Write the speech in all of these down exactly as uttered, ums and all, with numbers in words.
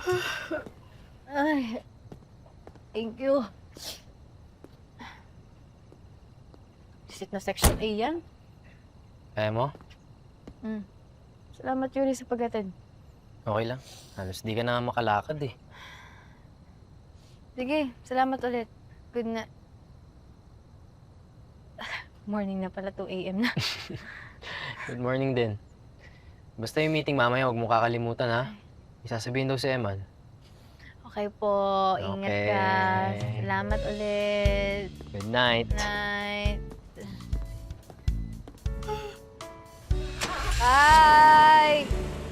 Ay, thank you. Sit na section A yan. Kaya mo? Hmm. Salamat, Yuri, sa pag-attend. Okay lang. Halos di ka na makalakad eh. Sige, salamat ulit. Good na... Morning na pala, two A M na. Good morning din. Basta yung meeting mamaya, huwag mo kakalimutan ha. Isasabihin daw si Eman. Okay po, ingat Okay. ka. Salamat ulit. Good night. Night. Bye!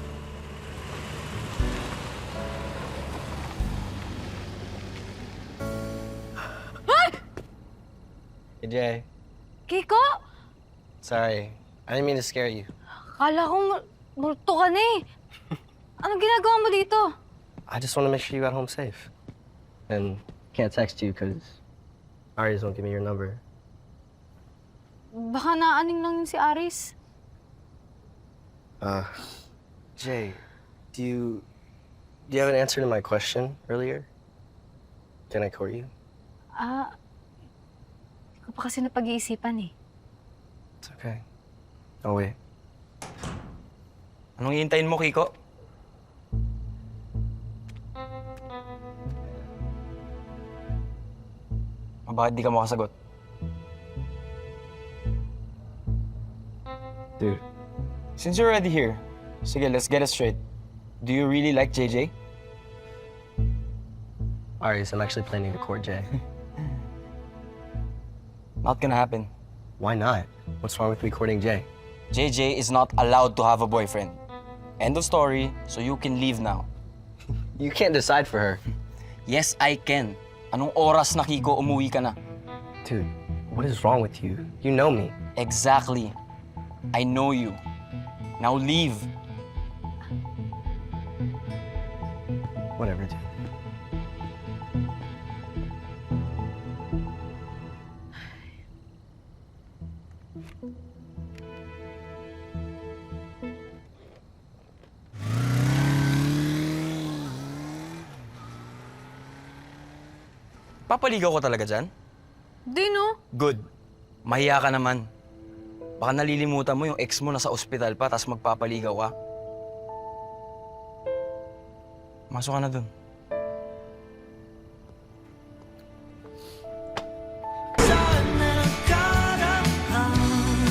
Hey, Jay. Kiko? Sorry. I didn't mean to scare you. Kala ko mul- multo ka na eh. Anong ginagawa mo dito? I just want to make sure you got home safe. And can't text you because Aries won't give me your number. Baka naaning lang yun si Aris. Uh, Jay, do you do you have an answer to my question earlier? Can I court you? Ah, hindi ko pa kasi napag-iisipan eh. It's okay. Oh wait. Anong hihintayin mo, Kiko? O bakit di ka makasagot? Dude, Since you're already here, sige, let's get it straight. Do you really like J J? Aries, I'm actually planning to court Jay. Not gonna happen. Why not? What's wrong with me courting Jay? J J is not allowed to have a boyfriend. End of story, so you can leave now. You can't decide for her. Yes, I can. Anong oras na, Kiko, umuwi ka na? Dude, what is wrong with you? You know me. Exactly. I know you. Now leave. Whatever, dude. Papaligaw ko talaga dyan? Di no? Good. Mahiya ka naman. Baka nalilimutan mo yung ex mo nasa ospital pa, tapos magpapaligaw ka. Masok ka na dun.